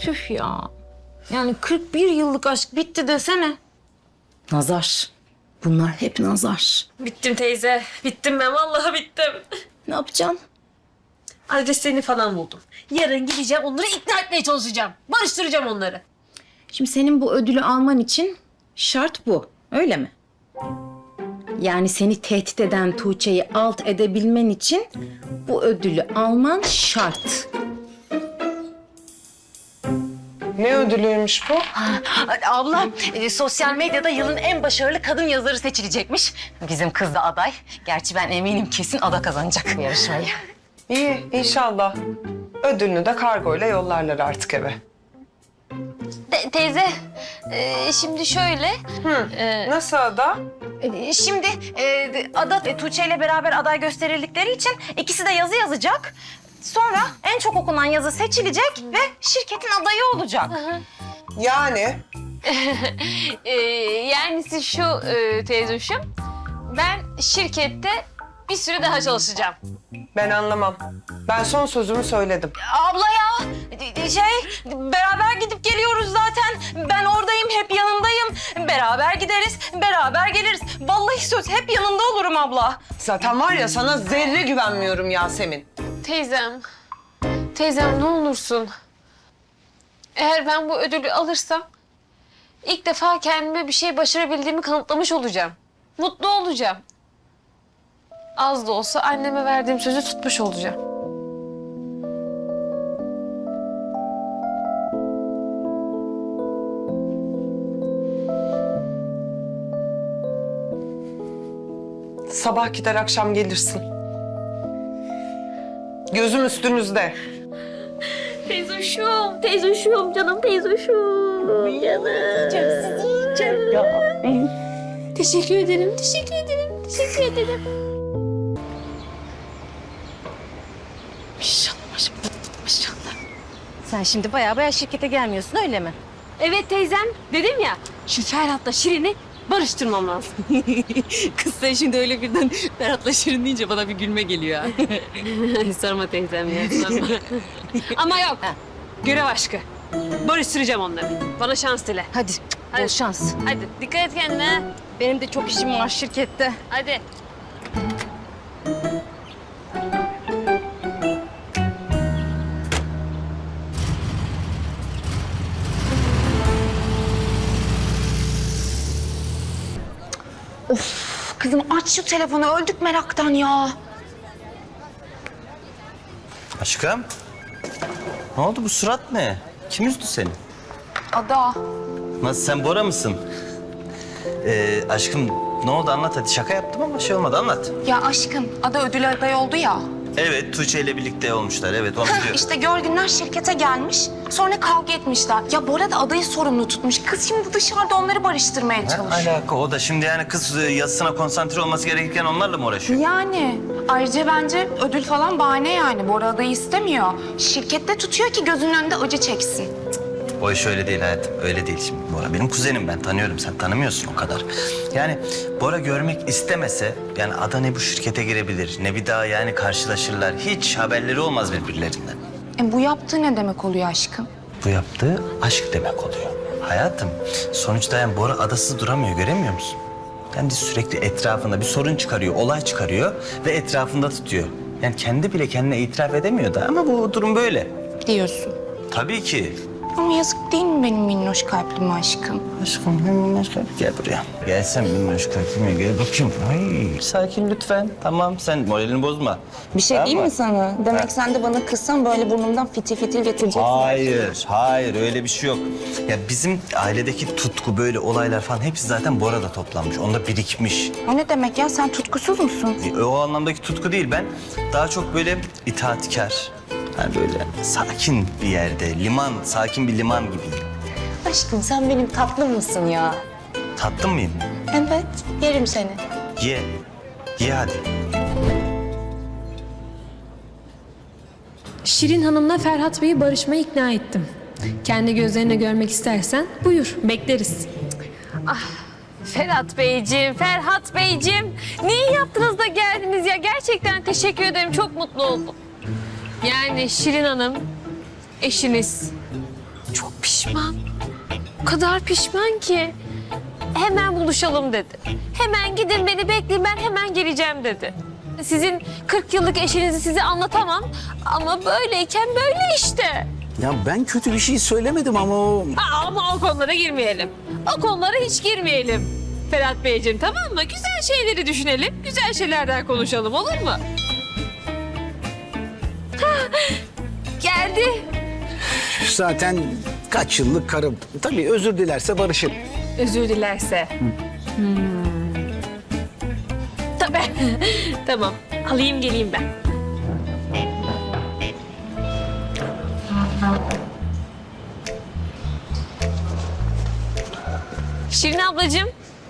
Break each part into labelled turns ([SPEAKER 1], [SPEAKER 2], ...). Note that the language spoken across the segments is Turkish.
[SPEAKER 1] Tüh ya. Yani 41 yıllık aşk bitti desene.
[SPEAKER 2] Nazar. Bunlar hep nazar.
[SPEAKER 3] Bittim teyze. Bittim ben. Vallahi bittim.
[SPEAKER 2] Ne yapacaksın?
[SPEAKER 3] Adreslerini falan buldum. Yarın gideceğim onları ikna etmeye çalışacağım. Barıştıracağım onları.
[SPEAKER 2] Şimdi senin bu ödülü alman için şart bu. Öyle mi? Yani seni tehdit eden Tuğçe'yi alt edebilmen için bu ödülü alman şart.
[SPEAKER 4] Ne ödülüymüş bu?
[SPEAKER 2] Abla, sosyal medyada yılın en başarılı kadın yazarı seçilecekmiş. Bizim kız da aday. Gerçi ben eminim kesin Ada kazanacak bu yarışmayı.
[SPEAKER 4] İyi, inşallah. Ödülünü de kargoyla yollarlar artık eve.
[SPEAKER 1] Teyze, şimdi şöyle.
[SPEAKER 4] Nasıl Ada?
[SPEAKER 2] Şimdi Ada Tuğçe ile beraber aday gösterildikleri için ikisi de yazı yazacak. Sonra en çok okunan yazı seçilecek ve şirketin adayı olacak.
[SPEAKER 4] Yani
[SPEAKER 3] Yani siz şu teyzeciğim. Ben şirkette bir süre daha çalışacağım.
[SPEAKER 4] ben anlamam. Ben son sözümü söyledim.
[SPEAKER 2] Abla ya, beraber gidip geliyoruz zaten. Ben oradayım, hep yanındayım. Beraber gideriz, beraber geliriz. Vallahi söz, hep yanında olurum abla.
[SPEAKER 4] Zaten var ya sana zerre güvenmiyorum Yasemin.
[SPEAKER 3] Teyzem ne olursun. Eğer ben bu ödülü alırsam ilk defa kendime bir şey başarabildiğimi kanıtlamış olacağım. Mutlu olacağım. Az da olsa anneme verdiğim sözü tutmuş olacağım.
[SPEAKER 4] Sabah gider akşam gelirsin. Gözüm üstünüzde.
[SPEAKER 3] Teyzoşum, canım teyzoşum. Canım. Teşekkür ederim.
[SPEAKER 2] Maşallah. Sen şimdi baya şirkete gelmiyorsun, öyle mi?
[SPEAKER 3] Evet teyzem, dedim ya şu Ferhat'la Şirin'i barıştırmam lazım.
[SPEAKER 1] Kız sen şimdi öyle birden Ferhat'la Şirin deyince bana bir gülme geliyor ha.
[SPEAKER 3] Sorma teyzem ya, sorma. Ama yok, görev aşkı. Barıştıracağım onları. Bana şans dile.
[SPEAKER 2] Hadi, bol şans.
[SPEAKER 3] Hadi, dikkat et kendine.
[SPEAKER 2] Benim de çok işim var şirkette.
[SPEAKER 3] Hadi.
[SPEAKER 2] Kızım aç şu telefonu, öldük meraktan ya.
[SPEAKER 5] Aşkım, ne oldu bu surat ne? Kim üzdü seni?
[SPEAKER 2] Ada.
[SPEAKER 5] Nasıl, sen Bora mısın? Aşkım ne oldu, anlat hadi. Şaka yaptım ama şey olmadı, anlat.
[SPEAKER 6] Ya aşkım, Ada ödül adayı oldu ya.
[SPEAKER 5] Evet, Tuğçe ile birlikte olmuşlar, evet onu biliyorum.
[SPEAKER 6] İşte Görgünler şirkete gelmiş, sonra kavga etmişler. Ya Bora da adayı sorumlu tutmuş. Kız şimdi dışarıda onları barıştırmaya
[SPEAKER 5] Ne
[SPEAKER 6] çalışıyor.
[SPEAKER 5] alaka o da şimdi, yani kız yazısına konsantre olması gerekirken onlarla mı uğraşıyor?
[SPEAKER 6] Yani ayrıca bence ödül falan bahane yani. Bora adayı istemiyor. Şirkette tutuyor ki gözünün önünde acı çeksin.
[SPEAKER 5] O iş öyle değil hayatım, öyle değil şimdi. Bora benim kuzenim, ben tanıyorum, sen tanımıyorsun o kadar. Yani Bora görmek istemese, yani Ada ne bu şirkete girebilir, ne bir daha yani karşılaşırlar. Hiç haberleri olmaz birbirlerinden.
[SPEAKER 6] Bu yaptığı ne demek oluyor aşkım?
[SPEAKER 5] Bu yaptığı aşk demek oluyor. Hayatım, sonuçta yani Bora adasız duramıyor, göremiyor musun? Yani sürekli etrafında bir sorun çıkarıyor, olay çıkarıyor ve etrafında tutuyor. Yani kendi bile kendine itiraf edemiyor da ama bu durum böyle.
[SPEAKER 6] Diyorsun.
[SPEAKER 5] Tabii ki.
[SPEAKER 6] Ama yazık değil mi benim minnoş kalplim aşkım?
[SPEAKER 5] Aşkım minnoş kalp, gel buraya. Gel sen minnoş kalbime, gel bakayım. Ay, sakin lütfen. Tamam, sen moralini bozma.
[SPEAKER 6] Bir şey
[SPEAKER 5] Tamam
[SPEAKER 6] değil
[SPEAKER 5] mı?
[SPEAKER 6] mi sana? Demek sen de bana kızsan böyle burnumdan fitil fitil getireceksin.
[SPEAKER 5] Hayır öyle bir şey yok. Ya bizim ailedeki tutku, böyle olaylar falan hepsi zaten Bora'da toplanmış. Onda birikmiş.
[SPEAKER 6] O ne demek ya? Sen tutkusuz musun?
[SPEAKER 5] O anlamdaki tutku değil, ben daha çok böyle itaatkar. Yani böyle sakin bir yerde, sakin bir liman gibiyim.
[SPEAKER 6] Aşkım sen benim tatlım mısın ya?
[SPEAKER 5] Tatlı mıyım?
[SPEAKER 6] Evet, yerim seni.
[SPEAKER 5] Ye hadi.
[SPEAKER 7] Şirin Hanım'la Ferhat Bey'i barışmaya ikna ettim. Kendi gözlerine görmek istersen buyur, bekleriz.
[SPEAKER 3] Ferhat Beyciğim. Niye yaptınız da geldiniz ya? Gerçekten teşekkür ederim. Çok mutlu oldum. Yani Şirin Hanım, eşiniz Çok pişman. O kadar pişman ki. Hemen buluşalım dedi. Hemen gidin beni bekleyin ben hemen geleceğim dedi. Sizin 40 yıllık eşinizi size anlatamam ama böyleyken böyle işte.
[SPEAKER 8] Ya ben kötü bir şey söylemedim ama o...
[SPEAKER 3] Ama o konulara girmeyelim. O konulara hiç girmeyelim. Ferhat Beyciğim tamam mı? Güzel şeyleri düşünelim. Güzel şeylerden konuşalım olur mu? Geldi.
[SPEAKER 8] Zaten kaç yıllık karım. Tabii özür dilerse barışır.
[SPEAKER 3] Özür dilerse. Tabii. Tamam. Alayım geleyim ben. Şirin ablacığım.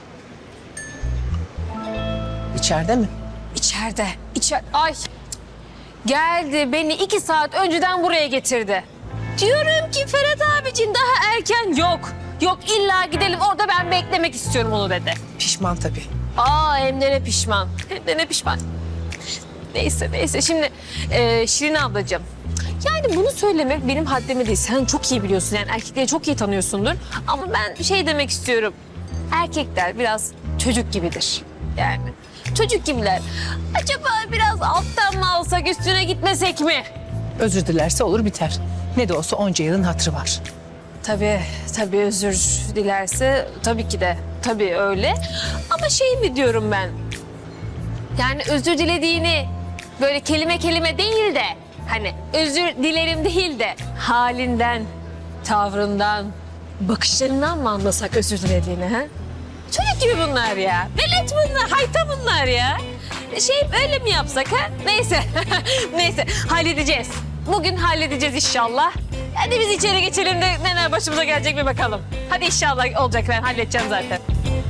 [SPEAKER 9] İçeride mi?
[SPEAKER 3] İçeride. Ay. Geldi beni 2 saat önceden buraya getirdi. Diyorum ki Ferhat abicim daha erken yok. Yok illa gidelim orada ben beklemek istiyorum onu dedi.
[SPEAKER 9] Pişman tabii.
[SPEAKER 3] Hem de ne pişman. Hem de ne pişman. Neyse. Şimdi Şirin ablacığım. Yani bunu söylemek benim haddime değil. Sen çok iyi biliyorsun yani erkekleri çok iyi tanıyorsundur. Ama ben şey demek istiyorum. Erkekler biraz çocuk gibidir. Yani çocuk gibiler. Acaba biraz alttan mı alsak üstüne gitmesek mi?
[SPEAKER 9] Özür dilerse olur biter. Ne de olsa onca yılın hatırı var.
[SPEAKER 3] Tabii özür dilerse tabii ki de. Tabii öyle. Ama şey mi diyorum ben? Yani özür dilediğini böyle kelime kelime değil de hani özür dilerim değil de halinden, tavrından, bakışlarından mı anlasak özür dilediğini ha? Çocuk gibi bunlar ya. Velet bunlar, hayta bunlar ya. Öyle mi yapsak ha? Neyse, neyse halledeceğiz. Bugün halledeceğiz inşallah. Hadi biz içeri geçelim de neler başımıza gelecek bir bakalım. Hadi inşallah olacak ben halledeceğim zaten.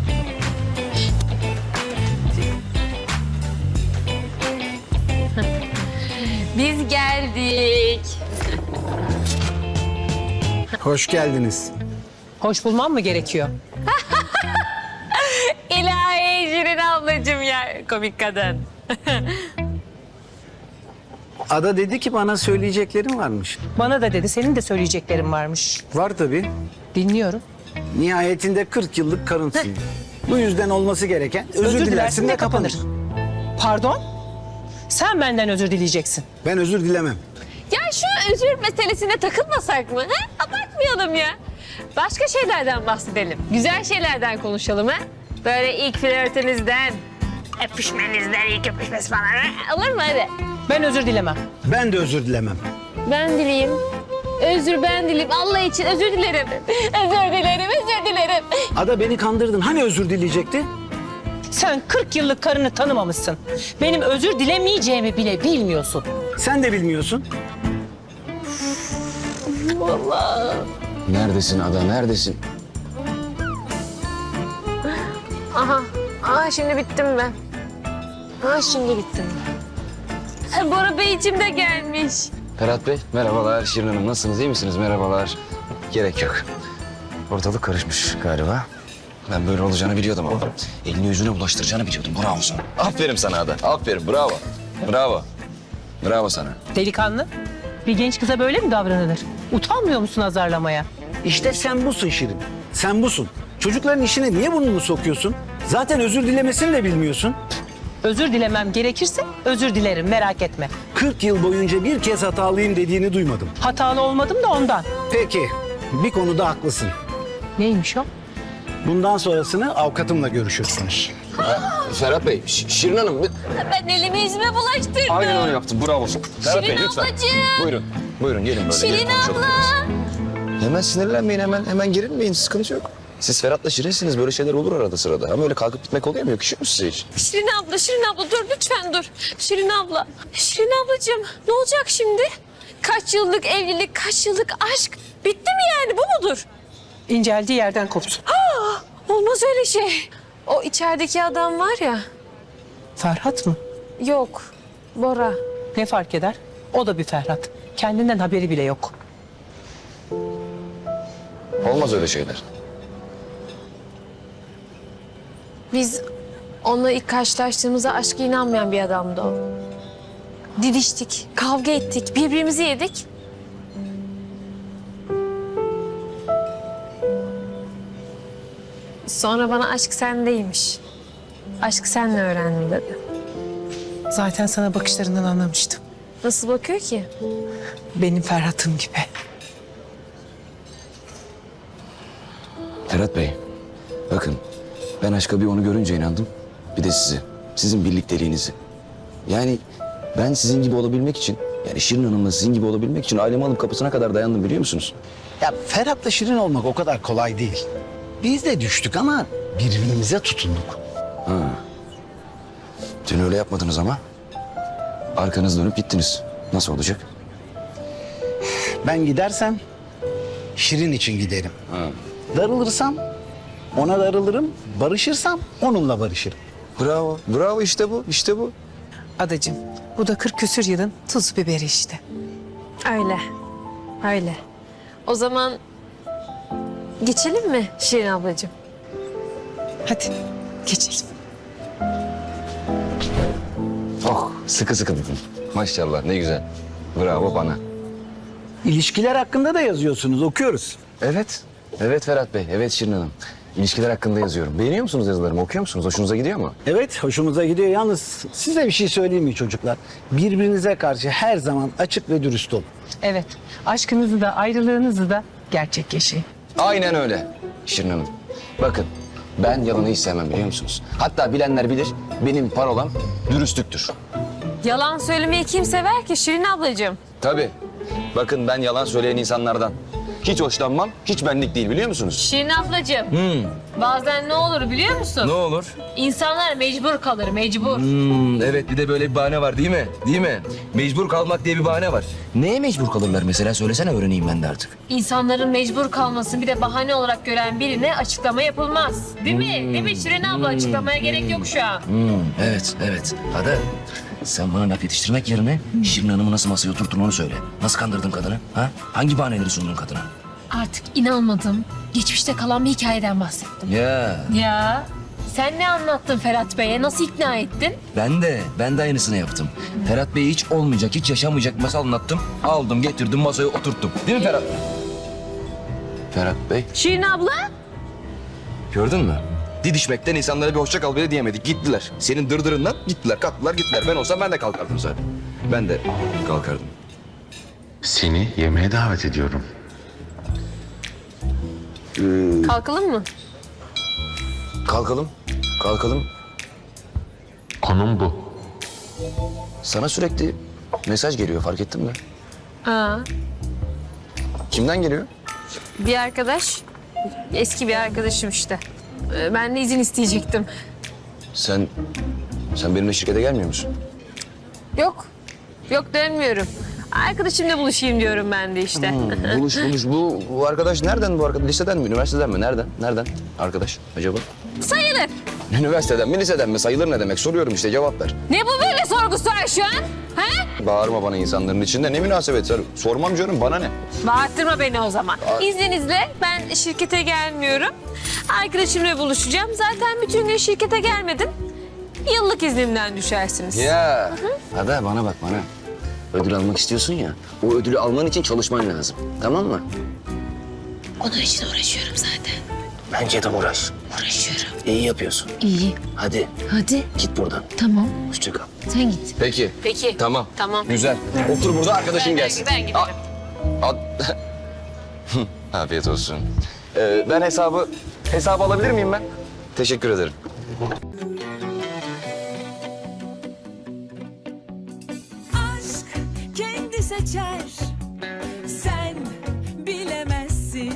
[SPEAKER 3] Biz geldik.
[SPEAKER 8] Hoş geldiniz.
[SPEAKER 9] Hoş bulmam mı gerekiyor?
[SPEAKER 3] İlahi Şirin ablacığım ya. Komik kadın.
[SPEAKER 8] Ada dedi ki bana söyleyeceklerim varmış.
[SPEAKER 9] Bana da dedi senin de söyleyeceklerin varmış.
[SPEAKER 8] Var tabii.
[SPEAKER 9] Dinliyorum.
[SPEAKER 8] Nihayetinde 40 yıllık karınsın. Bu yüzden olması gereken özür dilersin de kapanır.
[SPEAKER 9] Pardon? Sen benden özür dileyeceksin.
[SPEAKER 8] Ben özür dilemem.
[SPEAKER 3] Ya şu özür meselesine takılmasak mı? Ha? Abartmayalım ya. Başka şeylerden bahsedelim. Güzel şeylerden konuşalım ha? Böyle ilk flörtünüzden, öpüşmenizden, ilk öpüşmesi falan. Ha? Olur mu hadi?
[SPEAKER 9] Ben özür dilemem.
[SPEAKER 8] Ben de özür dilemem.
[SPEAKER 3] Ben dileyim. Ben dileyim. Allah için özür dilerim. Özür dilerim.
[SPEAKER 8] Ada beni kandırdın. Hani özür dileyecekti?
[SPEAKER 9] Sen 40 yıllık karını tanımamışsın. Benim özür dilemeyeceğimi bile bilmiyorsun.
[SPEAKER 8] Sen de bilmiyorsun.
[SPEAKER 10] Neredesin Ada, neredesin?
[SPEAKER 3] Aha şimdi bittim ben. Şimdi bittim. Bora Beyciğim de gelmiş.
[SPEAKER 10] Ferhat Bey, merhabalar. Şirin Hanım, nasılsınız, iyi misiniz? Merhabalar. Gerek yok. Ortalık karışmış galiba. Ben böyle olacağını biliyordum ama. Elini yüzüne bulaştıracağını biliyordum. Bravo sana. Aferin sana Ada, aferin. Bravo. Bravo. Bravo sana.
[SPEAKER 9] Delikanlı. Bir genç kıza böyle mi davranılır? Utanmıyor musun azarlamaya?
[SPEAKER 8] İşte sen busun Şirin. Sen busun. Çocukların işine niye burnunu sokuyorsun? Zaten özür dilemesini de bilmiyorsun.
[SPEAKER 9] Özür dilemem gerekirse özür dilerim merak etme.
[SPEAKER 8] 40 yıl boyunca bir kez hatalıyım dediğini duymadım.
[SPEAKER 9] Hatalı olmadım da ondan.
[SPEAKER 8] Peki, bir konuda haklısın.
[SPEAKER 9] Neymiş o?
[SPEAKER 8] Bundan sonrasını avukatımla görüşürsünüz.
[SPEAKER 10] Ferhat Bey, Şirin Hanım.
[SPEAKER 3] Ben elimi yüzüme bulaştırdım.
[SPEAKER 10] Aynen öyle yaptın, bravo. Ferhat Bey,
[SPEAKER 3] Şirin
[SPEAKER 10] lütfen.
[SPEAKER 3] ablacığım.
[SPEAKER 10] Buyurun gelin böyle.
[SPEAKER 3] Şirin
[SPEAKER 10] gelin konuşalım
[SPEAKER 3] abla.
[SPEAKER 10] biraz. Hemen sinirlenmeyin, hemen gerilmeyin. Sıkıntı yok. Siz Ferhat'la Şirin'siniz. Böyle şeyler olur arada sırada. Ama öyle kalkıp gitmek oluyor mu? Yakışıyor mu size hiç?
[SPEAKER 3] Şirin abla dur lütfen dur. Şirin ablacığım ne olacak şimdi? Kaç yıllık evlilik, kaç yıllık aşk bitti mi yani bu mudur?
[SPEAKER 9] İnceldiği yerden kopsun.
[SPEAKER 3] Olmaz öyle şey. O içerideki adam var ya.
[SPEAKER 9] Ferhat mı?
[SPEAKER 3] Yok, Bora.
[SPEAKER 9] Ne fark eder? O da bir Ferhat. Kendinden haberi bile yok.
[SPEAKER 10] Olmaz öyle şeyler.
[SPEAKER 3] Biz onunla ilk karşılaştığımızda aşka inanmayan bir adamdı o. Didiştik, kavga ettik, birbirimizi yedik.
[SPEAKER 7] Sonra bana aşk sendeymiş. Aşk senle öğrendim dedi.
[SPEAKER 9] Zaten sana bakışlarından anlamıştım.
[SPEAKER 7] Nasıl bakıyor ki?
[SPEAKER 9] Benim Ferhat'ım gibi.
[SPEAKER 10] Ferhat Bey, bakın ben aşka bir onu görünce inandım. Bir de sizi, sizin birlikteliğinizi. Yani ben sizin gibi olabilmek için, yani Şirin Hanım'la sizin gibi olabilmek için ailemi alıp kapısına kadar dayandım biliyor musunuz?
[SPEAKER 8] Ya Ferhat'la Şirin olmak o kadar kolay değil. Biz de düştük ama birbirimize tutunduk.
[SPEAKER 10] Dün öyle yapmadınız ama. Arkanızı dönüp gittiniz. Nasıl olacak?
[SPEAKER 8] Ben gidersem Şirin için giderim. Darılırsam ona darılırım. Barışırsam onunla barışırım.
[SPEAKER 10] Bravo, bravo işte bu, işte bu.
[SPEAKER 9] Adacığım, bu da 40 küsür yılın tuz biberi işte.
[SPEAKER 7] Öyle. Öyle. O zaman geçelim mi Şirin ablacığım?
[SPEAKER 9] Hadi geçelim.
[SPEAKER 10] Oh, sıkı sıkı tutun. Maşallah ne güzel. Bravo bana.
[SPEAKER 8] İlişkiler hakkında da yazıyorsunuz, okuyoruz.
[SPEAKER 10] Evet, evet Ferhat Bey, evet Şirin Hanım. İlişkiler hakkında yazıyorum. Beğeniyor musunuz yazılarımı, okuyor musunuz? Hoşunuza gidiyor mu?
[SPEAKER 8] Evet, hoşumuza gidiyor. Yalnız size bir şey söyleyeyim mi çocuklar? Birbirinize karşı her zaman açık ve dürüst olun.
[SPEAKER 9] Evet, aşkınızı da ayrılığınızı da gerçek yaşayın.
[SPEAKER 10] Aynen öyle Şirin Hanım. Bakın, ben yalanı hiç sevmem biliyor musunuz? Hatta bilenler bilir, benim parolam dürüstlüktür.
[SPEAKER 7] Yalan söylemeyi kim sever ki Şirin ablacığım?
[SPEAKER 10] Tabii. Bakın ben yalan söyleyen insanlardan hiç hoşlanmam, hiç benlik değil biliyor musunuz?
[SPEAKER 7] Şirin ablacığım. Bazen ne olur biliyor musun?
[SPEAKER 10] Ne olur?
[SPEAKER 7] İnsanlar mecbur kalır, mecbur.
[SPEAKER 10] Evet bir de böyle bir bahane var değil mi? Değil mi? Mecbur kalmak diye bir bahane var. Neye mecbur kalırlar mesela söylesene öğreneyim ben de artık.
[SPEAKER 7] İnsanların mecbur kalmasını bir de bahane olarak gören birine açıklama yapılmaz. Değil mi? Değil mi Şirin abla? Açıklamaya gerek yok şu an.
[SPEAKER 10] Evet, evet. Hadi sen bana laf yetiştirmek yerine Şirin Hanım'ı nasıl masaya oturttun onu söyle. Nasıl kandırdın kadını? Ha? Hangi bahaneleri sundun kadına?
[SPEAKER 7] Artık inanmadım. Geçmişte kalan bir hikayeden bahsettim.
[SPEAKER 10] Ya
[SPEAKER 7] Ya sen ne anlattın Ferhat Bey'e? Nasıl ikna ettin?
[SPEAKER 10] ben de aynısını yaptım. Ferhat Bey'e hiç olmayacak, hiç yaşanmayacak masal anlattım. Aldım, getirdim, masaya oturttum. Değil mi Ferhat? Ferhat Bey,
[SPEAKER 7] Şirin abla?
[SPEAKER 10] gördün mü? Didişmekten insanlara bir hoşça kal bile diyemedik. Gittiler. Senin dırdırından gittiler, kalktılar, gittiler. Ben olsam ben de kalkardım zaten. Ben de kalkardım.
[SPEAKER 11] Seni yemeğe davet ediyorum.
[SPEAKER 7] Kalkalım mı?
[SPEAKER 10] Kalkalım, kalkalım.
[SPEAKER 11] Konum bu.
[SPEAKER 10] Sana sürekli mesaj geliyor, fark ettin mi?
[SPEAKER 7] Aa,
[SPEAKER 10] Kimden geliyor?
[SPEAKER 7] bir arkadaş. Eski bir arkadaşım işte. Ben de izin isteyecektim.
[SPEAKER 10] Sen benimle şirkete gelmiyor musun?
[SPEAKER 7] Yok. Yok dönmüyorum. Arkadaşımla buluşayım diyorum ben de işte.
[SPEAKER 10] Buluş. Bu arkadaş nereden bu arkadaş? Liseden mi, üniversiteden mi? Nereden arkadaş acaba?
[SPEAKER 7] Sayılır.
[SPEAKER 10] Üniversiteden mi, liseden mi? Sayılır ne demek? Soruyorum işte, cevap ver.
[SPEAKER 7] Ne bu böyle sorgusu var şu an? Ha?
[SPEAKER 10] Bağırma bana insanların içinde. Ne münasebet? Sormam canım, bana ne?
[SPEAKER 7] Bağırtırma beni o zaman. İzninizle ben şirkete gelmiyorum. Arkadaşımla buluşacağım. Zaten bütün gün şirkete gelmedim. Yıllık iznimden düşersiniz.
[SPEAKER 10] Ya. Hadi bana bak bana. Ödül almak istiyorsun ya. O ödülü alman için çalışman lazım. Tamam mı?
[SPEAKER 7] Onun için uğraşıyorum zaten.
[SPEAKER 10] Bence de uğraş.
[SPEAKER 7] Uğraşıyorum.
[SPEAKER 10] İyi yapıyorsun.
[SPEAKER 7] İyi.
[SPEAKER 10] Hadi
[SPEAKER 7] Hadi.
[SPEAKER 10] git buradan.
[SPEAKER 7] Tamam.
[SPEAKER 10] Hoşça kal.
[SPEAKER 7] Sen git.
[SPEAKER 10] Peki.
[SPEAKER 7] Peki.
[SPEAKER 10] Tamam.
[SPEAKER 7] Tamam.
[SPEAKER 10] Güzel. Otur burada, arkadaşın gelsin.
[SPEAKER 7] Ben giderim.
[SPEAKER 10] Afiyet olsun. Ben hesabı alabilir miyim ben? Teşekkür ederim.
[SPEAKER 12] Aşk kendi seçer